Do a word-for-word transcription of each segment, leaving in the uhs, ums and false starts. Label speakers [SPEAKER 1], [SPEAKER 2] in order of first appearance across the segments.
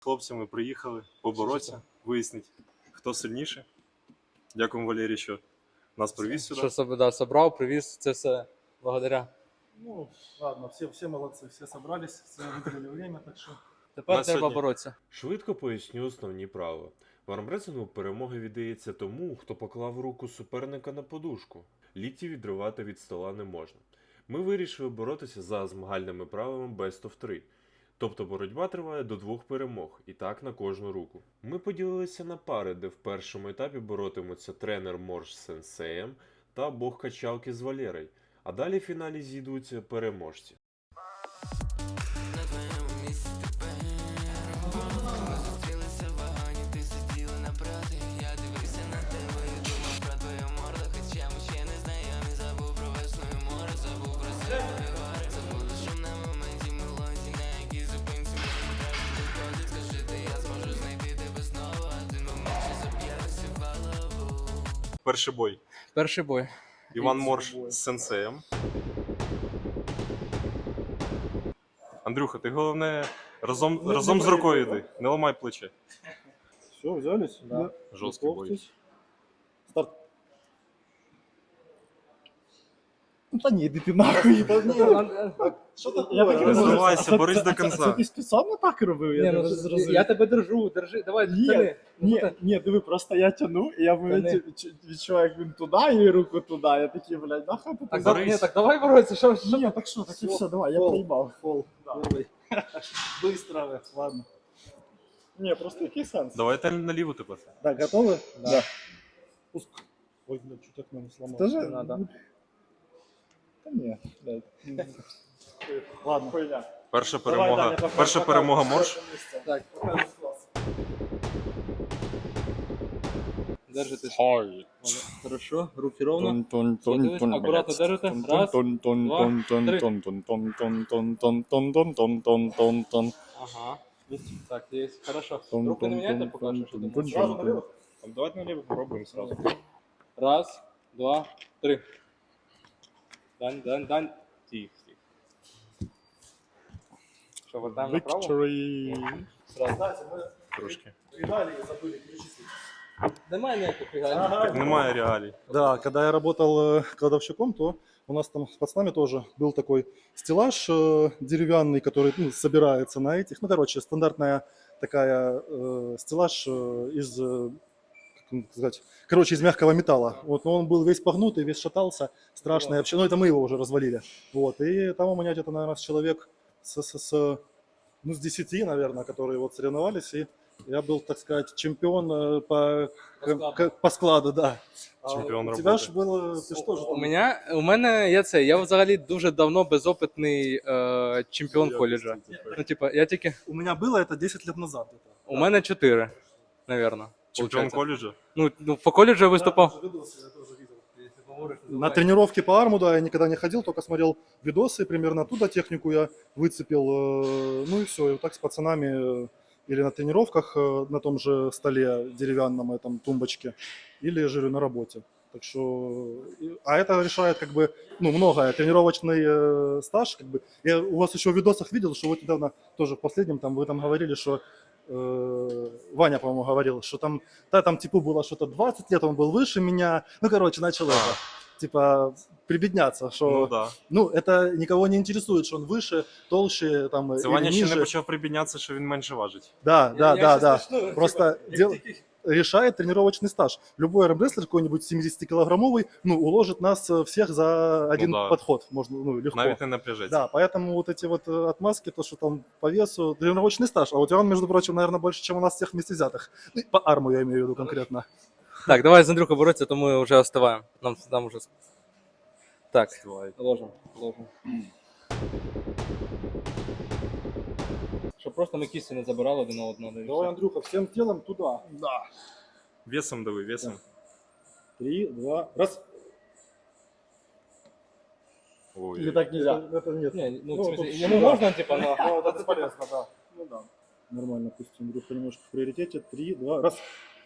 [SPEAKER 1] Хлопцями приїхали поборотися, вияснити, хто сильніше. Дякуємо, Валерій, що нас привіз сюди.
[SPEAKER 2] Що себе, да, собрав, привіз, це все благодаря.
[SPEAKER 3] Ну, ладно, все, все молодцы, все собрались, все выделили время, так что...
[SPEAKER 2] Тепер
[SPEAKER 1] На
[SPEAKER 2] треба
[SPEAKER 1] сьогодні.
[SPEAKER 2] боротися.
[SPEAKER 4] Швидко поясню основні правила. В армресингу перемога віддається тому, хто поклав руку суперника на подушку. Лікті відривати від стола не можна. Ми вирішили боротися за змагальними правилами Best of три. Тобто боротьба триває до двох перемог, і так на кожну руку. Ми поділилися на пари, де в першому етапі боротимуться тренер Морж з сенсеєм та бог качалки з Валерой, а далі в фіналі зійдуться переможці.
[SPEAKER 5] На твоєму місці тепер ми зустрілися в вагоні, ти сиділа напроти. Я дивився на тебе і думав про твою морду. Хоча ми ще не знайомі, забув про весну і море, забув про себе гори. Забуду шум на моменті мелодії, на якій зупинці мені краще доходить. Скажи ти, я зможу знайти тебе знову, один момент ще заб'є всю голову.
[SPEAKER 1] Перший бой.
[SPEAKER 2] Перший бой.
[SPEAKER 1] Іван Морж з сенсеєм. Андрюха, ти головне разом, разом з рукою йди, не ламай плече.
[SPEAKER 3] Все, взялись?
[SPEAKER 2] Да.
[SPEAKER 1] Жорсткий бой.
[SPEAKER 3] Готовьтесь. Старт. Да не, иди ты нахуй. Что такое?
[SPEAKER 1] Не здавайся, борись до кінця.
[SPEAKER 3] Ти спеціально так робив?
[SPEAKER 2] Ні, ну, я тебе держу, держи, давай,
[SPEAKER 3] Ні,
[SPEAKER 2] тяни.
[SPEAKER 3] Ні, ні, диви, просто я тяну, і я
[SPEAKER 2] Тяни.
[SPEAKER 3] відчуваю, відчуваю, як він туди, і руку туди. Я такий, блядь, нахуй ти
[SPEAKER 2] Так,
[SPEAKER 3] так.
[SPEAKER 2] да, ні, так давай боротися, що ж?
[SPEAKER 3] Ні, так що, так і все, давай, я проїбав. Фол. Быстро, ладно. Ні, просто який сенс?
[SPEAKER 1] Давайте наліво тепер.
[SPEAKER 3] Так, готовы?
[SPEAKER 2] Да.
[SPEAKER 3] Пуск. Ой, блядь, что так нам сломал.
[SPEAKER 2] Тоже надо.
[SPEAKER 3] Да не, блядь. Ладно. Хуйня.
[SPEAKER 1] Перша
[SPEAKER 3] Давай,
[SPEAKER 1] перемога,
[SPEAKER 3] Даня, пока-
[SPEAKER 1] перша
[SPEAKER 3] пока.
[SPEAKER 1] перемога Морж.
[SPEAKER 2] Так, держите. Хорошо, руки ровно. Аккуратно держите. Раз, два, Ага. Так, есть. Хорошо. Руки не меняйте, пока что. что-то.
[SPEAKER 3] Сразу налево?
[SPEAKER 1] Давайте наліво попробуємо сразу.
[SPEAKER 2] Раз, два, три. Дань, дань, дань. Тих, тих. Что, вот там направо?
[SPEAKER 3] Victory.
[SPEAKER 2] Сразу.
[SPEAKER 3] Кстати, мы
[SPEAKER 1] Трошки.
[SPEAKER 3] регалии забыли перечислить.
[SPEAKER 2] Немає ніяких регалій.
[SPEAKER 3] Ага.
[SPEAKER 1] Немає реалій.
[SPEAKER 3] Да, когда я работал э, кладовщиком, то у нас там с пацанами тоже был такой стеллаж э, деревянный, который ну, собирается на этих. Ну, короче, стандартная такая э, стеллаж э, из, э, как вам сказать, короче, из мягкого металла. Вот, но он был весь погнутый, весь шатался, страшный вообще. Ну, это мы его уже развалили. Вот, и там у меня где-то, наверное, человек с, с, с, ну, с десяти, наверное, которые вот соревновались, и я был, так сказать, чемпион э, по,
[SPEAKER 2] По складу.
[SPEAKER 3] к- по складу, да.
[SPEAKER 1] Чемпіон
[SPEAKER 3] А у тебя
[SPEAKER 1] роботи.
[SPEAKER 3] ж было, ты что же
[SPEAKER 2] У мене, у мене є це, я взагалі дуже давно безопитний е, чемпіон коледжа. Ну, типа, я тільки,
[SPEAKER 3] У меня было это десять лет назад.
[SPEAKER 2] у мене чотири, навірно.
[SPEAKER 1] Чемпіон
[SPEAKER 2] получається.
[SPEAKER 1] коледжу.
[SPEAKER 2] Ну, ну, по коледжу я виступав.
[SPEAKER 3] На тренировке по арму, да, я никогда не ходил, только смотрел видосы, примерно оттуда технику я выцепил, э, ну и все, и вот так с пацанами э, или на тренировках э, на том же столе деревянном этом тумбочке, или же на работе. Так что, и- а это решает как бы, ну, многое. Тренировочный э, стаж, как бы. Я у вас еще в видосах видел, что вот недавно тоже в последнем там вы там говорили, что э, Ваня, по-моему, говорил, что там, да, там типу было что-то двадцать лет, он был выше меня. Ну, короче, начал
[SPEAKER 1] А.
[SPEAKER 3] это, типа, прибедняться, что,
[SPEAKER 1] Ну
[SPEAKER 3] ну,
[SPEAKER 1] да.
[SPEAKER 3] это никого не интересует, что он выше, толще, там,
[SPEAKER 1] Це
[SPEAKER 3] или
[SPEAKER 1] Ваня ще
[SPEAKER 3] ниже.
[SPEAKER 1] не почав прибіднятися, що він менше важить.
[SPEAKER 3] Да, да, да, да.
[SPEAKER 2] Ну,
[SPEAKER 3] Просто дел- решает тренировочный стаж. Любой армрестлер какой-нибудь семидесятикилограммовый, ну, уложит нас э, всех за один
[SPEAKER 1] да.
[SPEAKER 3] подход, можно, ну, легко.
[SPEAKER 1] Навіть не напряжеться.
[SPEAKER 3] Да, поэтому вот эти вот э, отмазки, то, что там по весу, тренировочный стаж. А у тебя он, между прочим, наверное, больше, чем у нас всех вместе взятых. Ну, по арму я имею в виду конкретно.
[SPEAKER 2] Так, давай з Андрюхою боротися, то ми вже остиваємо. Нам, нам вже... Так,
[SPEAKER 1] Давай.
[SPEAKER 2] ложимо, ложимо. Щоб просто ми кісті не забирали один на одного. і все.
[SPEAKER 3] Андрюха, всем телом туда. Да.
[SPEAKER 1] Весом дави, весом.
[SPEAKER 3] Три, два, раз.
[SPEAKER 1] Ой.
[SPEAKER 3] Или так нельзя? Это, это нет.
[SPEAKER 2] Ні, ну,
[SPEAKER 3] Ну,
[SPEAKER 2] в смысле,
[SPEAKER 3] тут-
[SPEAKER 2] йому можна, типа, на...
[SPEAKER 3] Ну, это бесполезно, да. Ну да. Нормально, пусть Андрюха немножко в приоритете. Три, два, раз.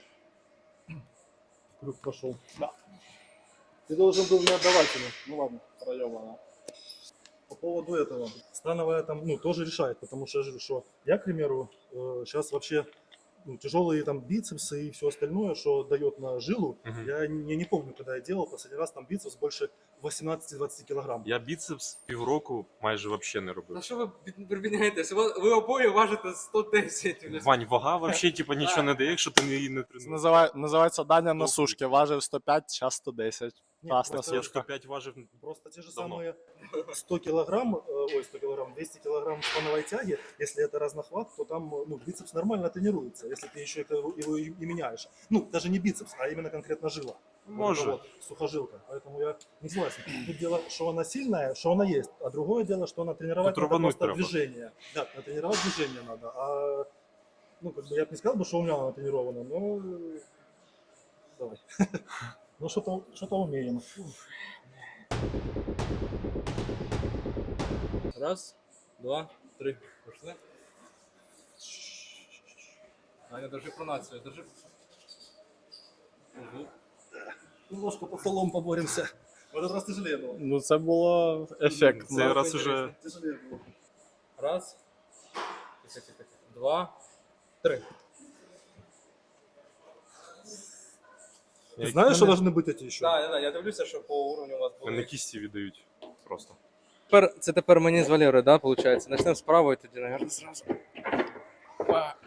[SPEAKER 3] Круг пошел. Да. Ты должен был не отдавать ему. Ну ладно, проебано. По поводу этого. Становая там, ну, тоже решает, потому что я же говорю, что я, к примеру, Сейчас вообще ну, тяжелые там бицепсы и все остальное, что дает на жилу.
[SPEAKER 1] Мгм.
[SPEAKER 3] Я не, я не помню, когда я делал последний раз там бицепс больше восемнадцати-двадцати килограмм.
[SPEAKER 1] Я біцепс півроку майже вообще не
[SPEAKER 2] На
[SPEAKER 1] робив.
[SPEAKER 2] що ви прибіняєтесь? Ви, ви обоє важите сто десять.
[SPEAKER 1] Вань, вага вообще типа нічого не дає, якщо ти її не тренуєш.
[SPEAKER 6] Називає, називається Даня на
[SPEAKER 1] Ну,
[SPEAKER 6] сушки. Важив сто п'ять, зараз сто десять.
[SPEAKER 3] Нет,
[SPEAKER 6] Раз на
[SPEAKER 3] просто
[SPEAKER 1] Я
[SPEAKER 6] сушках.
[SPEAKER 1] сто п'ять важив.
[SPEAKER 3] Просто те же
[SPEAKER 1] Давно.
[SPEAKER 3] самые сто килограмм, э, ой, сто килограмм, двести килограмм становой тяги, если это разнохват, то там ну, бицепс нормально тренируется, если ты еще это, его и, и меняешь. Ну, даже не бицепс, а именно конкретно жила. Вот это
[SPEAKER 1] Може.
[SPEAKER 3] вот, сухожилка. Поэтому я не согласен. Тут дело, что она сильная, что она есть, а другое дело, что она тренировать
[SPEAKER 1] Тут
[SPEAKER 3] надо
[SPEAKER 1] рвануть
[SPEAKER 3] просто
[SPEAKER 1] треба.
[SPEAKER 3] движение. Да, тренировать движение надо. А, ну, как бы я бы не сказал, бы, что у меня она тренирована, но э, давай. Ну, что-то что-то умеем.
[SPEAKER 2] Раз, два, три. Пошли. Аня, держи пронацію, держи. Угу.
[SPEAKER 3] Немножко по столом поборемся. В этот раз тяжелее было.
[SPEAKER 6] Ну це було ефектно.
[SPEAKER 1] Цей раз уже
[SPEAKER 3] Тяжелее было.
[SPEAKER 2] Раз. Тихо, тихо, тихо. Два, три.
[SPEAKER 3] Ты знаешь, что должны быть эти еще?
[SPEAKER 2] Так, так, так, я дивлюся, що по уровню у вас
[SPEAKER 1] мене
[SPEAKER 2] були.
[SPEAKER 1] кісті віддають просто.
[SPEAKER 2] Тепер, це тепер мені з Валерою, да, виходить? Начнемо з правої тоді, наверное, зразу. Па.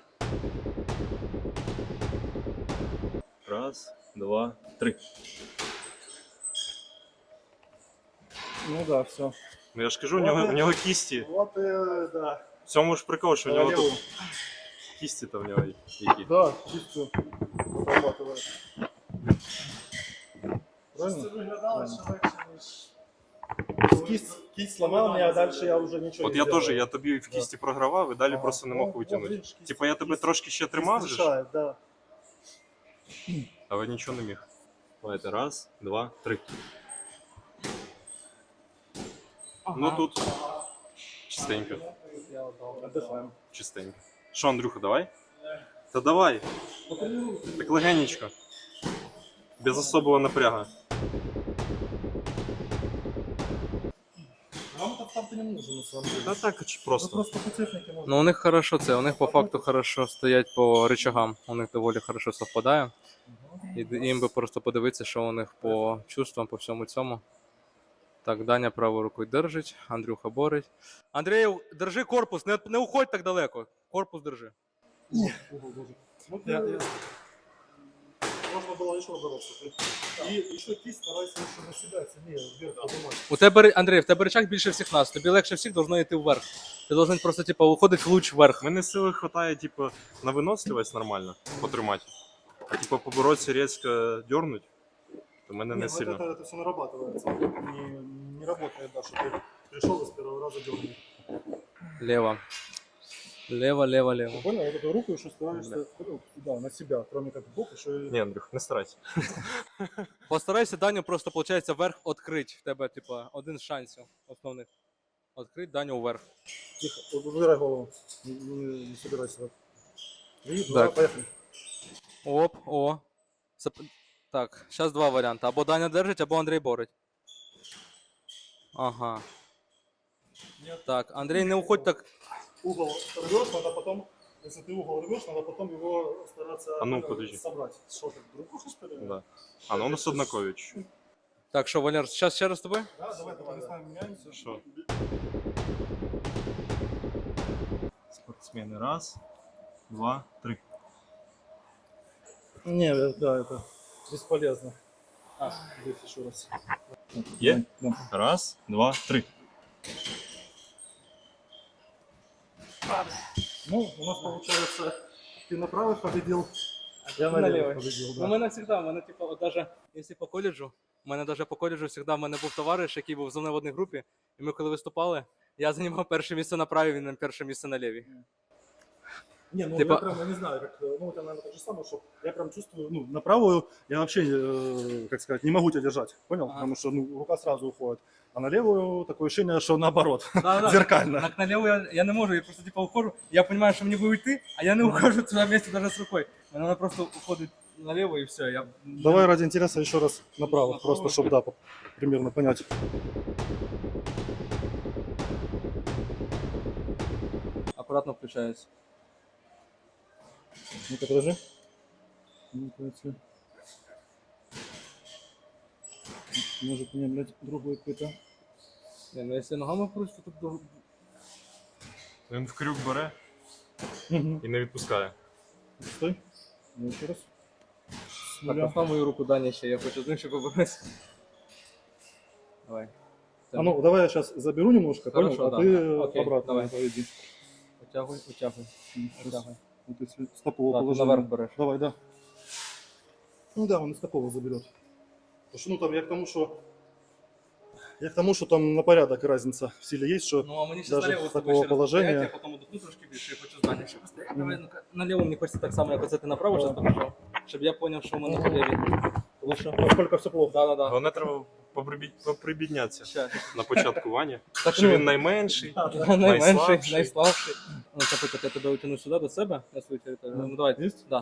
[SPEAKER 1] Раз, два, три.
[SPEAKER 3] Ну да, все.
[SPEAKER 1] Ну я ж кажу, у нього, у нього кісті.
[SPEAKER 3] Вот и да.
[SPEAKER 1] В цьому ж прикол, що у нього
[SPEAKER 3] Королеву.
[SPEAKER 1] тут кісті там в нього які.
[SPEAKER 3] Да, чистую. Отрабатывает. Правильно? Правильно. Кисть, кисть сломал меня, а дальше я уже ничего
[SPEAKER 1] От
[SPEAKER 3] не
[SPEAKER 1] я
[SPEAKER 3] делаю.
[SPEAKER 1] теж, я тобі в кісті програвав і далі
[SPEAKER 3] Ага.
[SPEAKER 1] просто не
[SPEAKER 3] Ну,
[SPEAKER 1] мог
[SPEAKER 3] вот
[SPEAKER 1] витягнути.
[SPEAKER 3] видишь, кисть-
[SPEAKER 1] Типа я тебе
[SPEAKER 3] кисть-
[SPEAKER 1] трошки ще
[SPEAKER 3] кисть
[SPEAKER 1] тримав, же ж,
[SPEAKER 3] решает, да.
[SPEAKER 1] але нічого не міг. Давайте, раз, два, три. Ну тут чистенько,
[SPEAKER 3] Отдыхаем.
[SPEAKER 1] чистенько. Що, Андрюха, давай? Та давай. Так легенечко. Без особого напряга.
[SPEAKER 3] Нам этот старт не нужен, на самом деле.
[SPEAKER 1] Та так, чи
[SPEAKER 3] Ну,
[SPEAKER 1] просто.
[SPEAKER 3] просто по технике можно.
[SPEAKER 2] Ну, у них хорошо це, у них по факту хорошо стоять по рычагам. У них доволі хорошо совпадає. І д- їм би просто подивитися, що у них по чувствам, по всьому цьому. Так, Даня правою рукою держить, Андрюха борить. Андрій, держи корпус, не, не уходь так далеко. Корпус держи.
[SPEAKER 3] Угол должен. Ну, я- я- Можно было еще бороться. И еще кисть старайся еще на себя сильнее вверх поднимать.
[SPEAKER 2] У тебе, Андрій, в тебе рычаг більше всіх нас. Тобі легше всіх должно йти вверх. Ти должен просто, типу, уходити в луч вверх.
[SPEAKER 1] Мене сили хватає, типу, на виносливість нормально потримати. А типу поборотися різко дернуть, то мене не
[SPEAKER 3] Не, ну
[SPEAKER 1] сильно.
[SPEAKER 3] это, это все нарабатывается. Не, не работает, да, что ты пришел и с первого раза дернул.
[SPEAKER 2] Лево. Лево, лево, лево.
[SPEAKER 3] Ты понял? Вот эту руку еще стараешься ну, да, на себя, кроме как в бок, еще и...
[SPEAKER 1] Ні, Андрюх, не старайся.
[SPEAKER 2] Постарайся Даню просто, виходить, вверх відкрити. В тебе, типу, один з шансів основних. Відкрити Даню вверх.
[SPEAKER 3] Тихо, вот убирай голову, не, не, не собирайся. Вот. И,
[SPEAKER 2] Так.
[SPEAKER 3] да, поехали.
[SPEAKER 2] Оп, о. Зап- Так, зараз два варіанти. Або Даня держить, або Андрій борить. Ага. Так, Андрій, не уходь так.
[SPEAKER 3] Угол рвешь, надо потом, если ты угол рвешь, надо потом его стараться
[SPEAKER 1] А ну,
[SPEAKER 3] э,
[SPEAKER 1] подожди.
[SPEAKER 3] собрать. Что ты, руку что ли?
[SPEAKER 1] Да. А, ну у нас однакові чуть-чуть.
[SPEAKER 2] Так, що, Валер, зараз ще раз з тобою?
[SPEAKER 3] Да, давай, давай, не знаю, меняемся.
[SPEAKER 1] Що? Спортсмени. Раз, два, три.
[SPEAKER 3] Не, да, это бесполезно. А, здесь еще раз.
[SPEAKER 1] Є?
[SPEAKER 3] Да.
[SPEAKER 1] Раз, два, три.
[SPEAKER 3] Ну, у нас получается, ты на правый победил, я
[SPEAKER 2] на
[SPEAKER 3] на
[SPEAKER 2] левый.
[SPEAKER 3] левый победил,
[SPEAKER 2] У
[SPEAKER 3] да.
[SPEAKER 2] мене завжди, у мене, типу, от даже, якщо по коледжу, у мене даже по коледжу завжди в мене був товариш, який був зі мною в одній групі, і ми коли виступали, я займав перше місце на правій, він на перше місце на лівій.
[SPEAKER 3] Не, ну
[SPEAKER 2] Типа-
[SPEAKER 3] я прям, я не знаю, как, ну это, наверное, то же самое, что я прям чувствую, ну, на правую я вообще, э, как сказать, не могу тебя держать, понял?
[SPEAKER 2] Ага.
[SPEAKER 3] Потому что, ну, рука сразу уходит. А на левую такое ощущение, что наоборот,
[SPEAKER 2] Да-да.
[SPEAKER 3] зеркально.
[SPEAKER 2] Так на ліву я, я не можу, я просто типу ухожу, я розумію, що мені буде йти, а я не ухожу туди вместе навіть з рукою. Вона просто уходить наліво і все. Я...
[SPEAKER 3] Давай ради интереса еще раз направо,
[SPEAKER 2] Направо.
[SPEAKER 3] просто чтобы, да, по- примерно понять.
[SPEAKER 2] Акуратно включаюсь.
[SPEAKER 3] Ну-ка, подожди. Ну-ка, если... Может, мне, блядь, другой какой-то...
[SPEAKER 2] Не, ну якщо ногами просто тут до...
[SPEAKER 1] Він в крюк бере
[SPEAKER 3] Угу.
[SPEAKER 1] і не відпускає.
[SPEAKER 3] Стой. Ну, еще раз. С
[SPEAKER 2] Так,
[SPEAKER 3] нуля.
[SPEAKER 2] постав мою руку Дані ще, я хочу з ним ще поборотися. Давай.
[SPEAKER 3] А ну, давай я сейчас заберу немножко,
[SPEAKER 2] Хорошо,
[SPEAKER 3] понял?
[SPEAKER 2] да.
[SPEAKER 3] А ты
[SPEAKER 2] Окей,
[SPEAKER 3] обратно
[SPEAKER 2] давай.
[SPEAKER 3] поведи.
[SPEAKER 2] Утягуй, утягуй,
[SPEAKER 3] Сейчас.
[SPEAKER 2] утягуй.
[SPEAKER 3] Вот если стоповое
[SPEAKER 2] Да, ты
[SPEAKER 3] положение.
[SPEAKER 2] наверх берешь.
[SPEAKER 3] Давай, да. Ну да, он из стопового заберет. Потому что, ну там я к тому, что... Я к тому, что там на порядок разница в силе есть, что...
[SPEAKER 2] Ну, а мені ще
[SPEAKER 3] Даже
[SPEAKER 2] наліво
[SPEAKER 3] з такого
[SPEAKER 2] ще раз
[SPEAKER 3] положення-
[SPEAKER 2] постояти, я потім удохну трошки більше, я хочу здання ще постояти. Давай, ну-ка, наліво мені хочеться так само, як оце ти направо зараз покажав, щоб я зрозумів, що в мене по лівій. Лучше.
[SPEAKER 3] Насколько все плохо.
[SPEAKER 2] Да, да, да.
[SPEAKER 1] Головне треба поприбі- поприбіднятися
[SPEAKER 2] Ща.
[SPEAKER 1] на початку Вані.
[SPEAKER 2] Так,
[SPEAKER 1] Що
[SPEAKER 2] ну,
[SPEAKER 1] він найменший,
[SPEAKER 2] найменший,
[SPEAKER 1] найслабший.
[SPEAKER 2] найслабший. Ну, це я тебе утягну сюди, до себе, на свою територію. Ну, давай.
[SPEAKER 3] Есть?
[SPEAKER 2] Да.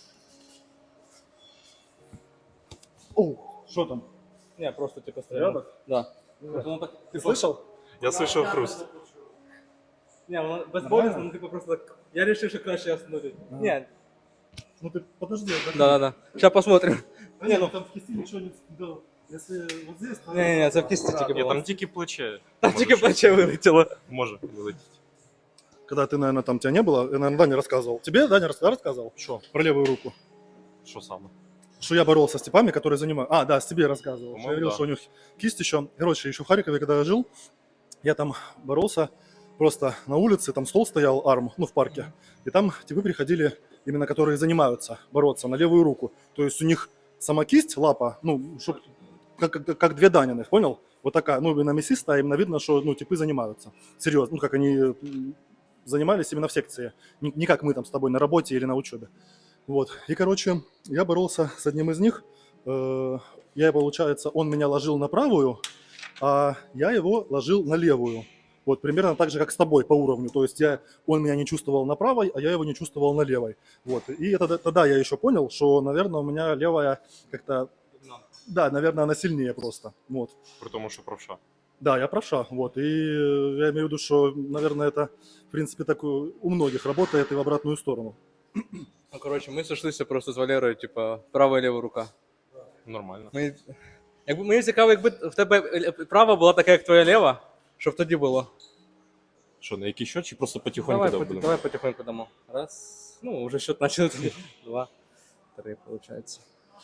[SPEAKER 3] Оу, что там?
[SPEAKER 2] Не, просто типу стріляю.
[SPEAKER 3] Порядок?
[SPEAKER 2] Да. От воно так,
[SPEAKER 3] Ты
[SPEAKER 2] типу,
[SPEAKER 3] слышал?
[SPEAKER 1] Я слышав хруст.
[SPEAKER 2] Ні, воно безболісно, ну типу просто так. Я вирішив, що краще остановити.
[SPEAKER 3] Ага.
[SPEAKER 2] Ні,
[SPEAKER 3] Ну ты подожди. отдохни.
[SPEAKER 2] да, да, да. Сейчас посмотрим.
[SPEAKER 3] Да не, ну там в кисти ничего не... Да. Если вот здесь... то-
[SPEAKER 2] Ні, ні, ні, це в кисті тільки
[SPEAKER 1] Ні,
[SPEAKER 2] було.
[SPEAKER 1] там тільки плече.
[SPEAKER 2] Там
[SPEAKER 1] може
[SPEAKER 2] тільки
[SPEAKER 1] щось-
[SPEAKER 2] плече вилетіло.
[SPEAKER 1] Може вилетіти.
[SPEAKER 3] Когда ты, наверное, там тебя не было, я, наверное, Даня рассказывал. Тебе Даня рас- да, рассказывал?
[SPEAKER 1] Що?
[SPEAKER 3] Про левую руку.
[SPEAKER 1] Що саме?
[SPEAKER 3] Что я боролся с типами, которые занимают... А, да, с тебе рассказывал. Что я
[SPEAKER 1] По-моему,
[SPEAKER 3] говорил,
[SPEAKER 1] да.
[SPEAKER 3] что у них кисть еще... Короче, еще в Харькове, когда я жил, я там боролся просто на улице, там стол стоял, арм, ну, в парке. И там типы приходили, именно которые занимаются бороться на левую руку. То есть у них сама кисть, лапа, ну, чтоб, как, как, как две Даниных, понял? Вот такая, ну, именно мясистая, именно видно, что, ну, типы занимаются. Серьезно, ну, как они м, занимались именно в секции. Не, не как мы там с тобой на работе или на учебе. Вот. И, короче, я боролся с одним из них. Э, Я, получается, он меня ложил на правую, а я его ложил на левую. Вот примерно так же, как с тобой по уровню. То есть я, он меня не чувствовал на правой, а я его не чувствовал на левой. Вот. И это, тогда я еще понял, что, наверное, у меня левая как-то... Да, наверное, она сильнее просто. Вот.
[SPEAKER 1] При тому, що правша.
[SPEAKER 3] Да, я правша. Вот. И э, я имею в виду, что, наверное, это, в принципе, так у у многих работает и в обратную сторону.
[SPEAKER 2] Ну, коротше, ми сошлися просто з Валерою, типа, права і ліва рука.
[SPEAKER 1] Нормально.
[SPEAKER 2] Ми... Якби, мені цікаво, якби в тебе права була така, як твоя ліва, щоб тоді було.
[SPEAKER 1] Що, на який счет чи просто потихоньку
[SPEAKER 2] Давай,
[SPEAKER 1] дав
[SPEAKER 2] поти-
[SPEAKER 1] будемо?
[SPEAKER 2] давай потихоньку дамо. Раз, ну, уже счет начали. Два, три, получается.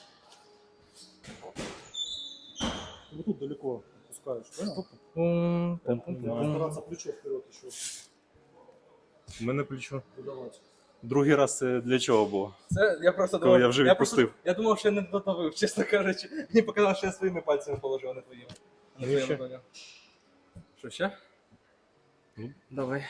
[SPEAKER 3] Вот тут далеко опускаешь, понял?
[SPEAKER 2] Пум, пум, пум,
[SPEAKER 3] Надо
[SPEAKER 2] пум.
[SPEAKER 3] стараться плечо вперед еще
[SPEAKER 1] У мене плечо.
[SPEAKER 3] выдавать.
[SPEAKER 1] Другий раз це для чого було?
[SPEAKER 2] Це я просто
[SPEAKER 1] Коли
[SPEAKER 2] думав,
[SPEAKER 1] я вже
[SPEAKER 2] просто-
[SPEAKER 1] відпустив.
[SPEAKER 2] я думав, що я не дотовив, чесно кажучи. Мені показалось, що я своїми пальцями положив, а не твоїми. А не
[SPEAKER 1] Ну,
[SPEAKER 2] твоїми
[SPEAKER 1] ще.
[SPEAKER 2] поняв. Що ще?
[SPEAKER 1] Ну.
[SPEAKER 2] Давай.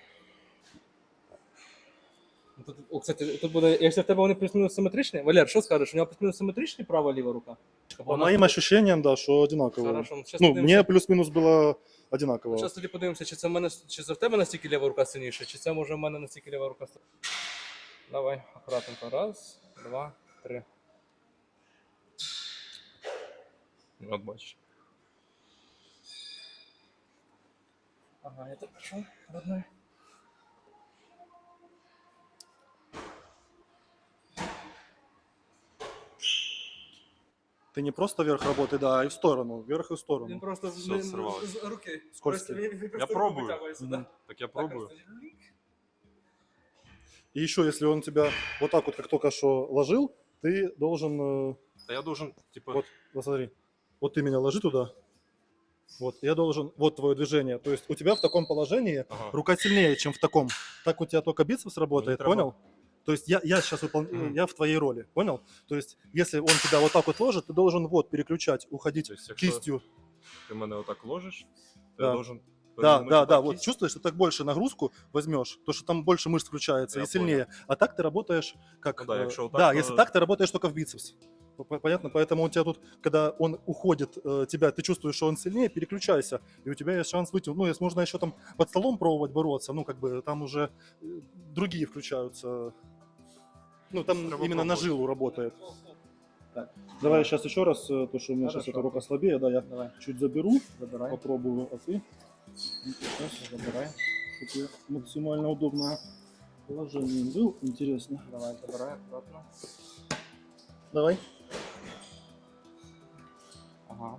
[SPEAKER 2] Ну, Тут, о, кстати, тут буде, якщо в тебе вони плюс-мінус симетричні, Валер, що скажеш, у нього плюс-мінус симетричні права-ліва рука?
[SPEAKER 3] По моим ощущениям, да, что одинаково.
[SPEAKER 2] Хорошо, сейчас
[SPEAKER 3] Ну, мне плюс-минус было одинаково.
[SPEAKER 2] Зараз тоді подивимося, чи це в мене, чи це в тебе настільки ліва рука сильніша, чи це може в мене настільки ліва рука сильніша. Давай, акуратненько. Раз, два, три.
[SPEAKER 1] От бачиш.
[SPEAKER 2] Ага, я так пішов, родной.
[SPEAKER 3] Ты не просто вверх работай, да, а и в сторону, вверх и в
[SPEAKER 2] Він
[SPEAKER 3] сторону.
[SPEAKER 2] просто
[SPEAKER 1] Все,
[SPEAKER 2] з, з,
[SPEAKER 1] сорвалось.
[SPEAKER 2] з руки.
[SPEAKER 3] Скользкий.
[SPEAKER 2] Просто він- він просто руку
[SPEAKER 1] пробую.
[SPEAKER 2] витягує сюди.
[SPEAKER 3] Мгм.
[SPEAKER 1] Так я
[SPEAKER 2] Так,
[SPEAKER 1] пробую.
[SPEAKER 2] просто лік.
[SPEAKER 3] И еще, если он тебя вот так вот, как только что ложил, ты должен, э,
[SPEAKER 1] Та я должен, типа,
[SPEAKER 3] вот, посмотри, вот ты меня ложи туда, вот, я должен, вот твое движение, то есть у тебя в таком положении
[SPEAKER 1] ага.
[SPEAKER 3] рука сильнее, чем в таком, так у тебя только бицепс работает,
[SPEAKER 1] треба.
[SPEAKER 3] понял? То есть я, я сейчас выполняю,
[SPEAKER 1] Мгм.
[SPEAKER 3] я в твоей роли, понял? То есть если он тебя вот так вот ложит, ты должен вот переключать, уходить
[SPEAKER 1] То есть, якщо
[SPEAKER 3] кистью.
[SPEAKER 1] ти мене отак ложиш, то
[SPEAKER 3] Да.
[SPEAKER 1] я должен...
[SPEAKER 3] Да,
[SPEAKER 1] перевернути
[SPEAKER 3] да, да,
[SPEAKER 1] отак
[SPEAKER 3] вот
[SPEAKER 1] кисть.
[SPEAKER 3] чувствуешь, что так больше нагрузку возьмешь, то что там больше мышц включается
[SPEAKER 1] Я
[SPEAKER 3] и сильнее. А так ты работаешь как...
[SPEAKER 1] Ну да,
[SPEAKER 3] э,
[SPEAKER 1] якщо отак,
[SPEAKER 3] да,
[SPEAKER 1] то-
[SPEAKER 3] если так, ты работаешь только в бицепс. П- Понятно? Поэтому у тебя тут, когда он уходит, э, тебя, ты чувствуешь, что он сильнее, переключайся, и у тебя есть шанс выйти. Ну, если можно еще там под столом пробовать бороться, ну, как бы там уже э, другие включаются. Ну, там
[SPEAKER 1] Треба
[SPEAKER 3] именно на
[SPEAKER 1] пробовать.
[SPEAKER 3] жилу работает. Так, давай сейчас еще раз, э, то, что у меня сейчас
[SPEAKER 2] Хорошо.
[SPEAKER 3] эта рука слабее, да, я
[SPEAKER 2] Давай,
[SPEAKER 3] чуть заберу,
[SPEAKER 2] забирай.
[SPEAKER 3] попробую, а ты? Сейчас,
[SPEAKER 2] Забирай.
[SPEAKER 3] чтобы максимально удобно. положением был, интересно.
[SPEAKER 2] Давай, забирай аккуратно.
[SPEAKER 3] Давай.
[SPEAKER 2] Ага.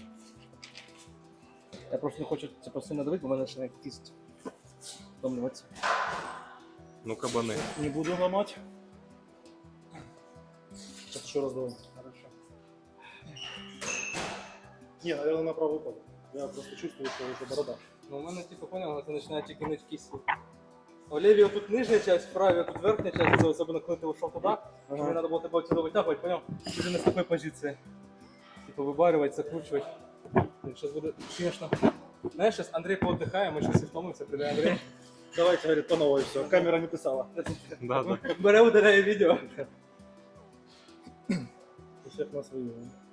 [SPEAKER 2] Я просто не хочу типу, сильно давити, бо в мене ще кість втомлюватися.
[SPEAKER 1] Ну, кабани.
[SPEAKER 3] Не буду ломать. Сейчас еще раз давай.
[SPEAKER 2] Хорошо.
[SPEAKER 3] Не, наверное, на правый пол. Я просто чувствую, что уже борода.
[SPEAKER 2] Ну, у мене, типу, поняв, це починає тільки нить кість. У лівій тут нижня часть, в правій тут верхня часть, це особливо коли ти вийшов туди, що мені треба було тебе отсюда витягувати, поняв? Уже не з такої позиції. Типу, вибарювати, закручувати. Зараз буде, звісно. Знаєш, зараз Андрій поотдихає, ми щось і втомимося, прийде Андрій.
[SPEAKER 3] Давайте, говорит, по новой все. Камера не писала.
[SPEAKER 1] Да, да.
[SPEAKER 2] Бере, удаляє відео.
[SPEAKER 3] У всех на свою.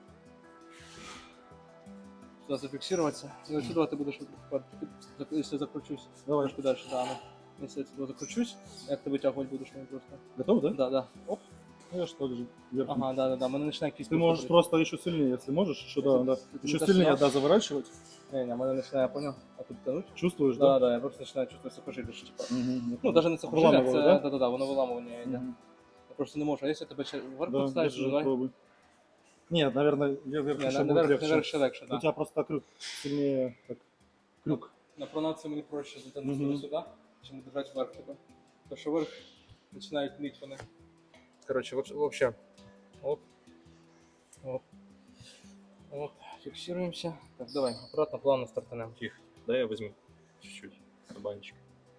[SPEAKER 2] Сюди зафіксуватися. Ну, сюди ти будеш, якщо закручусь. Давай, трошки далі, да, ну. Якщо я сюди закручусь, як ти витягувати будеш мені просто?
[SPEAKER 3] Готов, да?
[SPEAKER 2] Да, да. Оп.
[SPEAKER 3] Ну, я что же. вверх.
[SPEAKER 2] Ага, да, да, да. Мене починає кість.
[SPEAKER 3] Ты можешь просто еще сильнее, если можешь, еще, да, да.
[SPEAKER 2] Ты
[SPEAKER 3] Еще
[SPEAKER 2] не
[SPEAKER 3] сильнее,
[SPEAKER 2] дошла?
[SPEAKER 3] да, заворачивать.
[SPEAKER 2] Не, не, мене починає, понял? А тут тянуть?
[SPEAKER 3] Чувствуешь,
[SPEAKER 2] Да,
[SPEAKER 3] да?
[SPEAKER 2] да, я просто починаю чувствувати сухожилля, що типа.
[SPEAKER 3] Мгм.
[SPEAKER 2] Ну, навіть не сухожилля,
[SPEAKER 3] Виламувало,
[SPEAKER 2] це,
[SPEAKER 3] да?
[SPEAKER 2] да, да, да, воно виламування йде.
[SPEAKER 3] Мгм.
[SPEAKER 2] Я просто не можу. А якщо тебе ще вверх
[SPEAKER 3] Да,
[SPEAKER 2] поставиш,
[SPEAKER 3] держи,
[SPEAKER 2] давай.
[SPEAKER 3] пробуй. Нет, наверное, я вверх
[SPEAKER 2] Ні,
[SPEAKER 3] еще
[SPEAKER 2] на-
[SPEAKER 3] будет
[SPEAKER 2] наверх,
[SPEAKER 3] легче.
[SPEAKER 2] наверх ще легше,
[SPEAKER 3] У
[SPEAKER 2] да.
[SPEAKER 3] тебя просто крюк сильнее, так, крюк.
[SPEAKER 2] На пронацію мені проще затягнути
[SPEAKER 3] Мгм.
[SPEAKER 2] сюди, чим держати вверх, типа. Тому що вверх починають нить вони. Коротше, взагалі. Оп. Оп. Оп. Фіксуємося. Так, давай, аккуратно, плавно стартанемо.
[SPEAKER 1] Тихо. Дай я возьму чуть-чуть. Кабанчик.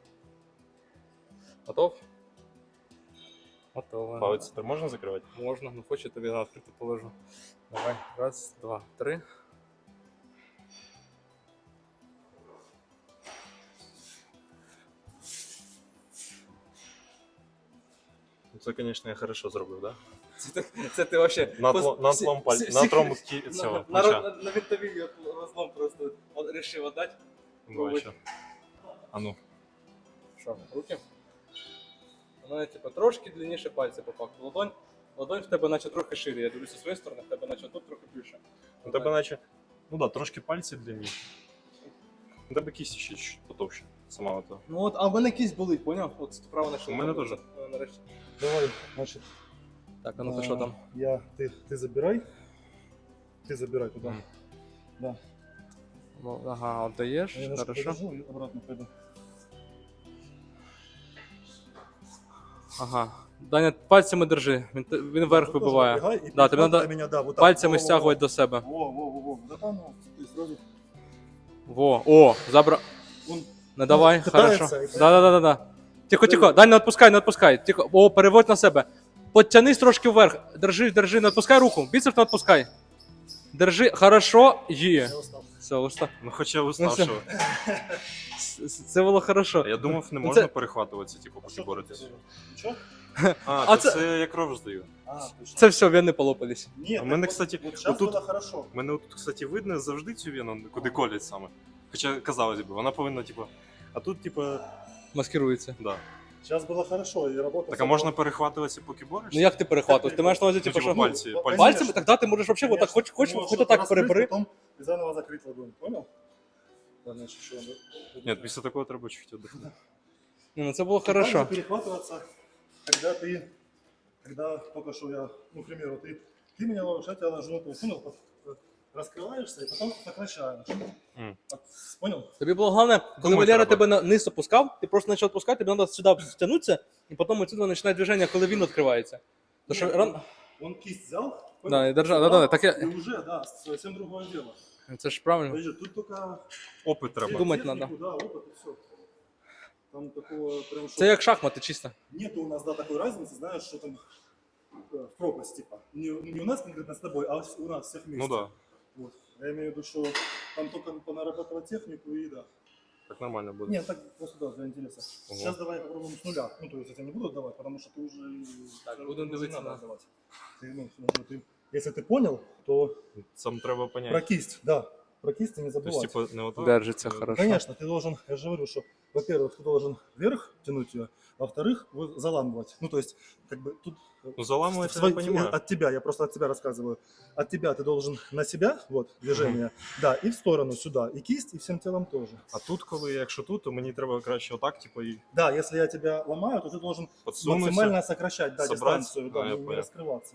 [SPEAKER 2] Готов? Готово.
[SPEAKER 1] Палець тепер можна закривати?
[SPEAKER 2] Можна, ну хочу тобі на відкрито положу. Давай, раз, два, три.
[SPEAKER 1] Це, звісно, я хорошо зробив, да?
[SPEAKER 2] Це, це ти вообще...
[SPEAKER 1] На,
[SPEAKER 2] пос-
[SPEAKER 1] тло, на
[SPEAKER 2] всі-
[SPEAKER 1] тлом
[SPEAKER 2] всі-
[SPEAKER 1] пальця,
[SPEAKER 2] всі-
[SPEAKER 1] на трому
[SPEAKER 2] всі-
[SPEAKER 1] кі- цього
[SPEAKER 2] на,
[SPEAKER 1] плеча.
[SPEAKER 2] на, на винтовій розлом просто от, рішив віддати.
[SPEAKER 1] Бачу. А ну.
[SPEAKER 2] Що, руки? У мене типу, трошки длинніше пальці по факту. Ладонь, ладонь в тебе наче трохи шире. Я дивлюся з своєї сторони, в тебе наче тут трохи більше.
[SPEAKER 1] У тебе наче. Ну да, трошки пальці длинніші. У тебе кість ще чуть потовще. Сама ото.
[SPEAKER 2] Ну от, а в мене кість болить, поняв? От справа на
[SPEAKER 1] У мене теж.
[SPEAKER 2] Нарешті.
[SPEAKER 3] Давай, значит.
[SPEAKER 2] Так, а ну-ка,
[SPEAKER 3] а,
[SPEAKER 2] що там?
[SPEAKER 3] Я, ты, ты забирай. Ты забирай туда.
[SPEAKER 1] Мгм.
[SPEAKER 3] Да.
[SPEAKER 2] Ну, ага, отдаєш,
[SPEAKER 3] Я немножко
[SPEAKER 2] хорошо.
[SPEAKER 3] подержу и обратно пойду.
[SPEAKER 2] Ага. Даня, пальцями держи, він, те- він вверх
[SPEAKER 3] Ты тоже
[SPEAKER 2] вибиває.
[SPEAKER 3] отбегай и
[SPEAKER 2] Да, тобі
[SPEAKER 3] перехватай
[SPEAKER 2] надо
[SPEAKER 3] меня, да, вот так.
[SPEAKER 2] пальцями
[SPEAKER 3] Во-во-во.
[SPEAKER 2] стягувати до себе.
[SPEAKER 3] Во, во, во, во. Да там, ну, ты сразу.
[SPEAKER 2] Во, о, забра...
[SPEAKER 3] Он
[SPEAKER 2] Не давай,
[SPEAKER 3] Ну,
[SPEAKER 2] хорошо.
[SPEAKER 3] питається, і
[SPEAKER 2] Да, да, да, да, да. Тихо, тихо, Дань, не відпускай, не відпускай. Тихо, о, переводь на себе. Подтянись трошки вверх. Держи, держи, не відпускай руку. Біцеп не відпускай. Держи, хорошо, є.
[SPEAKER 3] я устал.
[SPEAKER 2] Все, уста.
[SPEAKER 1] Ну хоча
[SPEAKER 2] Ну,
[SPEAKER 1] уставшого.
[SPEAKER 2] Це- Це було хорошо.
[SPEAKER 1] Я думав, не
[SPEAKER 2] Ну,
[SPEAKER 1] можна
[SPEAKER 2] це-
[SPEAKER 1] перехватуватися, типу,
[SPEAKER 3] А
[SPEAKER 1] поки
[SPEAKER 3] что
[SPEAKER 1] боретесь.
[SPEAKER 3] Ничего?
[SPEAKER 1] А,
[SPEAKER 2] А
[SPEAKER 1] то
[SPEAKER 2] це-
[SPEAKER 1] це я кров здаю.
[SPEAKER 3] А, точно.
[SPEAKER 2] Це все, вени полопались.
[SPEAKER 3] Нет,
[SPEAKER 1] А у
[SPEAKER 3] так
[SPEAKER 1] мене,
[SPEAKER 3] вот-
[SPEAKER 1] кстати,
[SPEAKER 3] вот сейчас
[SPEAKER 1] отут-
[SPEAKER 3] было хорошо.
[SPEAKER 1] У мене тут, кстати, видно завжди цю вену, куди колять саме. Хоча, казалось би, вона повинна, типу. А тут, типу,
[SPEAKER 2] Маскирується.
[SPEAKER 1] да.
[SPEAKER 3] Сейчас было хорошо, и работа...
[SPEAKER 1] Так а можна перехватуватися, поки борешся?
[SPEAKER 2] Ну як ти перехватуєш? Ти маєш на увазі,
[SPEAKER 1] Ну,
[SPEAKER 2] типу,
[SPEAKER 1] типу,
[SPEAKER 2] що...
[SPEAKER 1] пальці,
[SPEAKER 3] Ну,
[SPEAKER 1] пальці.
[SPEAKER 2] Пальцями? Тогда ти можеш вообще отак, хоч, хоч, хоч отак перебери.
[SPEAKER 3] Потом и заново закрыть ладонь, понял? Да, значит, еще надо.
[SPEAKER 1] Ні, після такого треба чуть віддихнути.
[SPEAKER 2] Ні, ну це було
[SPEAKER 3] Также
[SPEAKER 2] хорошо.
[SPEAKER 3] перехватываться, когда ты, когда только что я, ну, к примеру, ты, ты меня ловишь, я тебя ложу, то есть, понял, вот, вот, раскрываешься и потом сокращаешь.
[SPEAKER 1] Мгм.
[SPEAKER 3] Вот, понял?
[SPEAKER 2] Тобі було головне, коли
[SPEAKER 1] Думати
[SPEAKER 2] Валера
[SPEAKER 1] треба.
[SPEAKER 2] тебе на низ опускав, ти просто почав відпускати, тобі треба сюди стягнутися, і потім отсюди починає движення, коли він відкривається. То що
[SPEAKER 3] Нет,
[SPEAKER 2] ран...
[SPEAKER 3] он, он кисть взял,
[SPEAKER 2] Да, и держал, да-да-да, так я-
[SPEAKER 3] и уже, да, совсем другое дело.
[SPEAKER 2] Це ж правильно.
[SPEAKER 3] Подожди, тут только
[SPEAKER 1] Опит треба.
[SPEAKER 2] Думать
[SPEAKER 3] технику,
[SPEAKER 2] надо.
[SPEAKER 3] Да, опыт и все. Там такого прям...
[SPEAKER 2] Це як шахмати, чисто.
[SPEAKER 3] Нету у нас, да, такой разницы, знаешь, что там э, в пропасть, типа. Не, не у нас конкретно с тобой, а у нас всех вместе.
[SPEAKER 1] Ну да,
[SPEAKER 3] Вот. Я имею в виду, что там только понарабатывать технику и да.
[SPEAKER 1] так нормально буде.
[SPEAKER 3] Нет, так просто да, для интереса.
[SPEAKER 1] Ого.
[SPEAKER 3] Сейчас давай попробуем с нуля. Ну, то есть я тебе не буду отдавать, потому что ты уже...
[SPEAKER 2] Так,
[SPEAKER 3] уже
[SPEAKER 2] будем
[SPEAKER 3] не
[SPEAKER 2] дивитися
[SPEAKER 3] надо
[SPEAKER 2] на-
[SPEAKER 3] отдавать. Ты, ну, ну, ты- если ты понял, то
[SPEAKER 1] Сам треба
[SPEAKER 3] про
[SPEAKER 1] поняти.
[SPEAKER 3] кисть, да. про кисти не
[SPEAKER 1] То есть,
[SPEAKER 3] забывать.
[SPEAKER 1] типа, не отак.
[SPEAKER 2] Держиться
[SPEAKER 1] е,
[SPEAKER 2] хорошо.
[SPEAKER 3] Конечно, ты должен, я же говорю, что, во-первых, ты должен вверх тянуть ее, а во-вторых, вот заламывать. Ну, то есть, как бы тут...
[SPEAKER 1] Ну, заламывать
[SPEAKER 3] в
[SPEAKER 1] я
[SPEAKER 3] свой-
[SPEAKER 1] понимаю.
[SPEAKER 3] От тебя, я просто от тебя рассказываю. От тебя ты должен на себя, вот, движение, да, и в сторону сюда, и кисть, и всем телом тоже.
[SPEAKER 1] А тут, коли, якщо тут, то мені треба краще отак, типу, і
[SPEAKER 3] Да, если я тебя ломаю, то ты должен
[SPEAKER 1] подсунутися.
[SPEAKER 3] максимально сокращать, да,
[SPEAKER 1] собрать.
[SPEAKER 3] дистанцию,
[SPEAKER 1] А,
[SPEAKER 3] да,
[SPEAKER 1] я
[SPEAKER 3] не, не
[SPEAKER 1] понял.
[SPEAKER 3] раскрываться.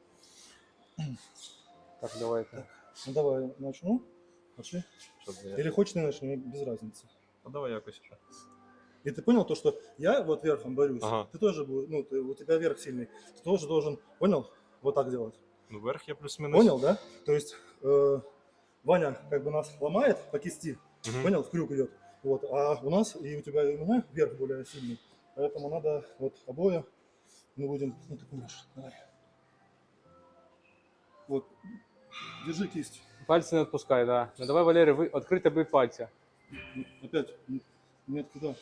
[SPEAKER 2] Так, давайте.
[SPEAKER 3] Ну, давай начну. Начни.
[SPEAKER 1] Щоб я-
[SPEAKER 3] Или хочешь, не начни, без разницы.
[SPEAKER 1] А давай якось ще.
[SPEAKER 3] И ты понял то, что я вот верхом борюсь,
[SPEAKER 1] Ага.
[SPEAKER 3] ты тоже, бу- ну, ты, у тебя верх сильный, ты тоже должен, понял, вот так делать.
[SPEAKER 1] Ну, вверх я плюс-мінус.
[SPEAKER 3] Понял, да? То есть э, Ваня как бы нас ломает по кисти,
[SPEAKER 1] Мгм.
[SPEAKER 3] понял, в крюк идет. Вот, а у нас и у тебя и у меня верх более сильный. Поэтому надо вот обои, мы будем, ну ты понимаешь, давай. Вот, держи кисть.
[SPEAKER 2] Пальці не відпускай, да. Ну давай, Валерій, ви відкрити бий пальці.
[SPEAKER 3] Ну, опять, н- нет, куда?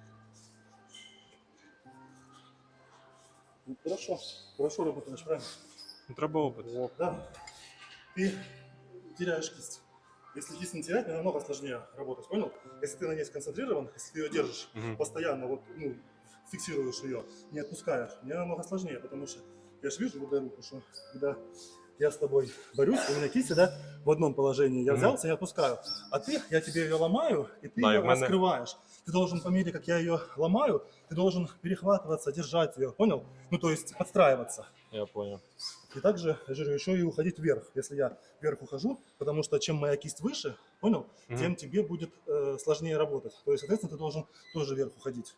[SPEAKER 3] Ну, хорошо, хорошо работаешь, правильно?
[SPEAKER 1] Ну, треба опит.
[SPEAKER 3] Да. Ты теряешь кисть. Если кисть не терять, мне намного сложнее работать, понял? Если ты на ней сконцентрирован, если ты ее держишь
[SPEAKER 1] Мгм.
[SPEAKER 3] постоянно, вот, ну, фиксируешь ее, не отпускаешь, мне намного сложнее, потому что я же вижу, вот эту руку, что когда я с тобой борюсь, у меня кисть всегда в одном положении. Я
[SPEAKER 1] Мгм.
[SPEAKER 3] взялся и отпускаю. А ты, я тебе ее ломаю, и ты
[SPEAKER 1] Да, и
[SPEAKER 3] ее
[SPEAKER 1] в мене-
[SPEAKER 3] раскрываешь. Ты должен, по мере, как я ее ломаю, ты должен перехватываться, держать ее, понял? Ну, то есть подстраиваться.
[SPEAKER 1] Я понял.
[SPEAKER 3] И также, я же говорю, еще и уходить вверх. Если я вверх ухожу, потому что чем моя кисть выше, понял,
[SPEAKER 1] Мгм.
[SPEAKER 3] тем тебе будет э, сложнее работать. То есть, соответственно, ты должен тоже вверх уходить.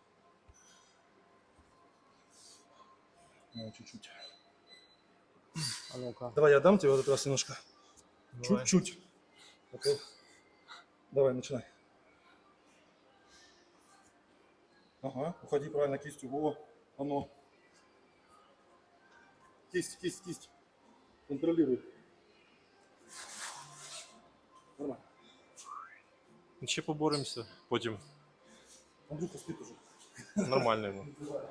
[SPEAKER 3] Ну, чуть-чуть.
[SPEAKER 2] А ну-ка.
[SPEAKER 3] Давай я дам тебе вот этот раз немножко.
[SPEAKER 1] Давай.
[SPEAKER 3] Чуть-чуть. А то- Давай, начинай. Ага, уходи правильно кистью. Во, оно. Кисть, кисть, кисть. Контролируй. Нормально.
[SPEAKER 1] Ще поборемося, потім
[SPEAKER 3] Андрюха спит уже.
[SPEAKER 1] нормально йому.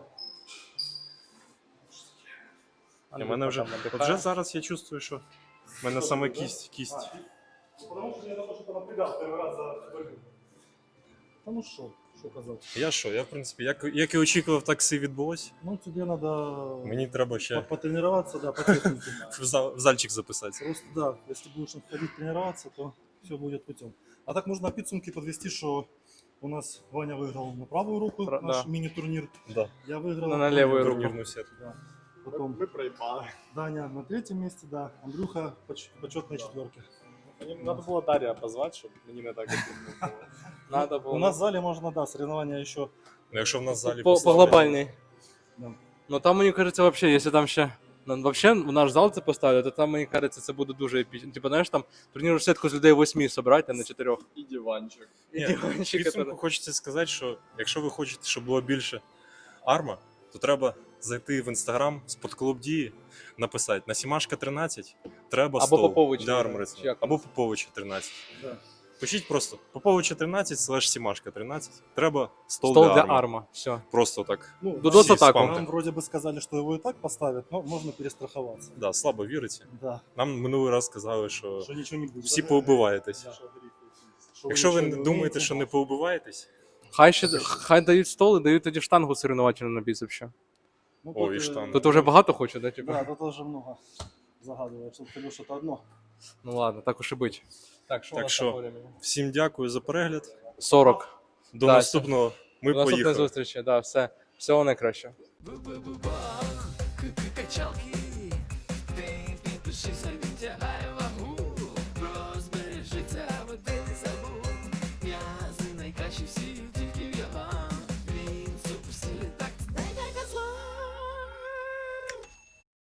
[SPEAKER 1] У
[SPEAKER 2] Андрюха
[SPEAKER 1] мене вже,
[SPEAKER 2] там надихає.
[SPEAKER 1] от вже зараз я чувствую, що в мене саме кість, кість.
[SPEAKER 3] А, ну, потому что я только что напрягал первый раз за борьбу. Да ну что, что казать.
[SPEAKER 1] Я що, я в принципі, як, як і очікував, так все і відбулося.
[SPEAKER 3] Ну тебе надо
[SPEAKER 1] Мені треба ще
[SPEAKER 3] по- потренироваться, да, по технике.
[SPEAKER 1] в, зал, в зальчик записатися.
[SPEAKER 3] Просто да, если будешь ходить тренироваться, то все будет путем. А так можно підсумки подвести, что у нас Ваня выиграл на правую руку
[SPEAKER 2] Пра-
[SPEAKER 3] наш
[SPEAKER 2] да.
[SPEAKER 3] мини-турнир.
[SPEAKER 1] Да.
[SPEAKER 3] Я выиграл
[SPEAKER 2] Ну, на левую руку.
[SPEAKER 1] Турнірну сетку.
[SPEAKER 3] Да. Потом
[SPEAKER 6] Ми проїбали.
[SPEAKER 3] Даня на третьем месте, да. Андрюха поч- почетной четверке.
[SPEAKER 6] Мені треба було Дар'я позвати, щоб мені не так обідно було.
[SPEAKER 2] Надо було.
[SPEAKER 3] У нас в зале можно, да, соревнования еще.
[SPEAKER 1] Ну, якщо в нас в залі
[SPEAKER 2] по, по
[SPEAKER 1] поставлять-
[SPEAKER 2] глобальній.
[SPEAKER 3] Да.
[SPEAKER 2] Ну там, мені кажеться, вообще, якщо там ще. Ну, вообще, в наш зал це поставлять, то там, мені кажеться, це буде дуже епічно. Типа, знаєш, там турнірну сетку з людей восьми собрати, а не чотирьох.
[SPEAKER 6] І диванчик.
[SPEAKER 1] Ні,
[SPEAKER 2] диванчик,
[SPEAKER 1] в підсумку
[SPEAKER 2] который-
[SPEAKER 1] хочеться сказати, що якщо ви хочете, щоб було більше арма, то треба зайти в інстаграм спортклуб Дії, написати на Сімашка тринадцять треба
[SPEAKER 2] Або
[SPEAKER 1] стол
[SPEAKER 2] Поповича,
[SPEAKER 1] для
[SPEAKER 2] чи
[SPEAKER 1] армрестлінгу.
[SPEAKER 2] як
[SPEAKER 1] Або Поповича тринадцять.
[SPEAKER 3] Да.
[SPEAKER 1] Пишіть просто Поповича тринадцять слеш Сімашка тринадцять. Треба стол,
[SPEAKER 2] Стол
[SPEAKER 1] для,
[SPEAKER 2] для
[SPEAKER 1] арма.
[SPEAKER 2] арма. Все.
[SPEAKER 1] Просто так.
[SPEAKER 3] Ну,
[SPEAKER 2] Дудос
[SPEAKER 1] Всі
[SPEAKER 2] атаку.
[SPEAKER 1] спамте.
[SPEAKER 3] нам вроде бы сказали, что его и так поставят, но можно перестраховаться.
[SPEAKER 1] Да, слабо віриться.
[SPEAKER 3] Да,
[SPEAKER 1] Нам минулий раз сказали, що
[SPEAKER 3] что ничего не будет.
[SPEAKER 1] всі поубиваєтесь.
[SPEAKER 3] Да. Что
[SPEAKER 1] Якщо ви
[SPEAKER 3] ничего
[SPEAKER 1] не
[SPEAKER 3] не
[SPEAKER 1] думаєте,
[SPEAKER 3] умеете,
[SPEAKER 1] що не поубиваєтесь,
[SPEAKER 2] Хай ще хай дають стол і дають тоді штангу соревновательну на біцеп ще.
[SPEAKER 3] ну,
[SPEAKER 1] Ой,
[SPEAKER 3] тут,
[SPEAKER 1] и
[SPEAKER 3] э,
[SPEAKER 1] штанга.
[SPEAKER 2] Тут вже багато хоче, да, типа?
[SPEAKER 3] Да, тут уже много загадываешь. Тут ты что-то одно.
[SPEAKER 2] Ну ладно, так уж і бить. Так, що
[SPEAKER 1] Так
[SPEAKER 2] у нас
[SPEAKER 1] що?
[SPEAKER 2] там по времени?
[SPEAKER 1] всім дякую за перегляд.
[SPEAKER 2] сорок.
[SPEAKER 1] До
[SPEAKER 2] Да,
[SPEAKER 1] наступного. Ми
[SPEAKER 2] До наступної
[SPEAKER 1] поїхали.
[SPEAKER 2] зустрічі, да, все. Всього найкращого.
[SPEAKER 5] Бу-бу-бу-бах.